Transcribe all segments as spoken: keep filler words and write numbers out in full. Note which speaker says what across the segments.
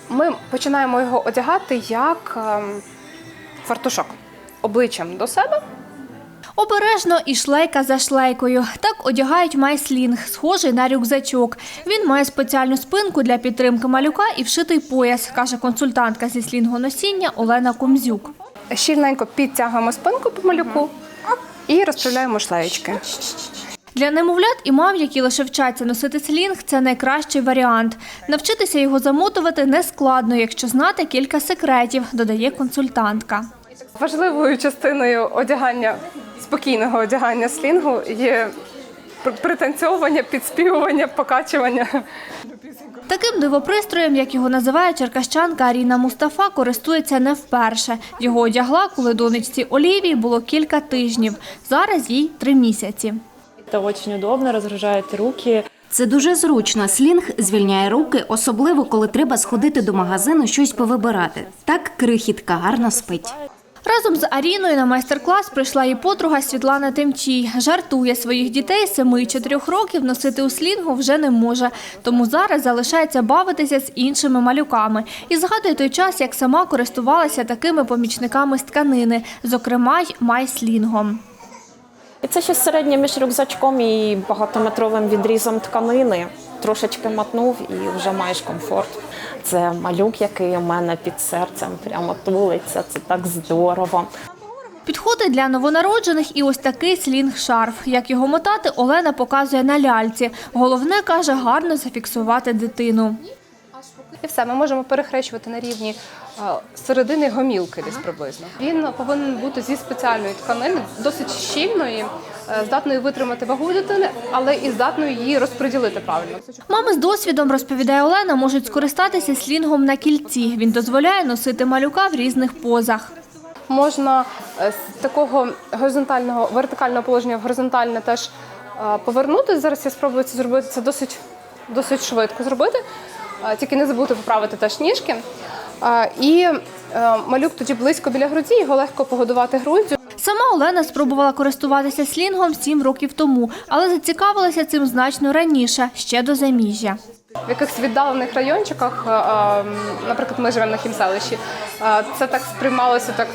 Speaker 1: Ми починаємо його одягати як фартушок обличчям до себе.
Speaker 2: Обережно і шлейка за шлейкою. Так одягають майслінг, схожий на рюкзачок. Він має спеціальну спинку для підтримки малюка і вшитий пояс, каже консультантка зі слінгоносіння Олена Комзюк.
Speaker 1: Щільненько підтягуємо спинку по малюку і розправляємо шлеєчки.
Speaker 2: Для немовлят і мам, які лише вчаться носити слінг, це найкращий варіант. Навчитися його замотувати не складно, якщо знати кілька секретів, додає консультантка.
Speaker 1: Важливою частиною одягання, спокійного одягання слінгу є пританцьовування, підспівування, покачування.
Speaker 2: Таким дивопристроєм, як його називає черкащанка Аріна Мустафа, користується не вперше. Його одягла, коли донечці Олівії було кілька тижнів. Зараз їй три місяці.
Speaker 3: Це дуже удобно, розгружають руки.
Speaker 4: Це дуже зручно. Слінг звільняє руки, особливо, коли треба сходити до магазину щось повибирати. Так крихітка гарно спить.
Speaker 2: Разом з Аріною на майстер-клас прийшла її подруга Світлана Темчій. Жартує, своїх дітей семи і чотирьох років носити у слінгу вже не може. Тому зараз залишається бавитися з іншими малюками. І згадує той час, як сама користувалася такими помічниками з тканини, зокрема й майслінгом.
Speaker 3: І це щось середнє між рюкзачком і багатометровим відрізом тканини. Трошечки мотнув і вже маєш комфорт. Це малюк, який у мене під серцем прямо тулиться, це так здорово.
Speaker 2: Підходить для новонароджених і ось такий слінг-шарф. Як його мотати, Олена показує на ляльці. Головне, каже, гарно зафіксувати дитину.
Speaker 1: І все, ми можемо перехрещувати на рівні середини гомілки десь приблизно. Він повинен бути зі спеціальної тканини, досить щільної, здатної витримати вагу дитини, але і здатної її розподілити правильно.
Speaker 2: Мами з досвідом, розповідає Олена, можуть скористатися слінгом на кільці. Він дозволяє носити малюка в різних позах.
Speaker 1: Можна з такого горизонтального, вертикального положення в горизонтальне теж повернутися. Зараз я спробую це зробити, це досить, досить швидко зробити. Тільки не забудьте поправити теж ніжки. І малюк тоді близько біля груді, його легко погодувати груддю.
Speaker 2: Сама Олена спробувала користуватися слінгом сім років тому, але зацікавилася цим значно раніше, ще до заміжжя.
Speaker 1: В якихось віддалених райончиках, наприклад, ми живемо на Хімселищі, це так сприймалося так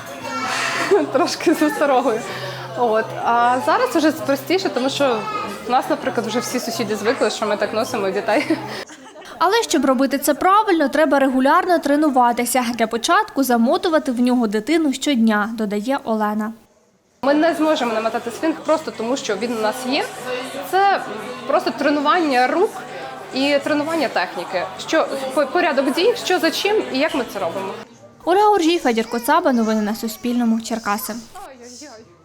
Speaker 1: трошки з осторогою. От. А зараз вже простіше, тому що в нас, наприклад, вже всі сусіди звикли, що ми так носимо дітей.
Speaker 2: Але щоб робити це правильно, треба регулярно тренуватися. Для початку замотувати в нього дитину щодня, додає Олена.
Speaker 1: Ми не зможемо намотати слінг просто тому, що він у нас є. Це просто тренування рук і тренування техніки. Що, порядок дій, що за чим і як ми це робимо.
Speaker 2: Ольга Оржій, Федір Коцаба. Новини на Суспільному. Черкаси.
Speaker 1: Ой-ой-ой.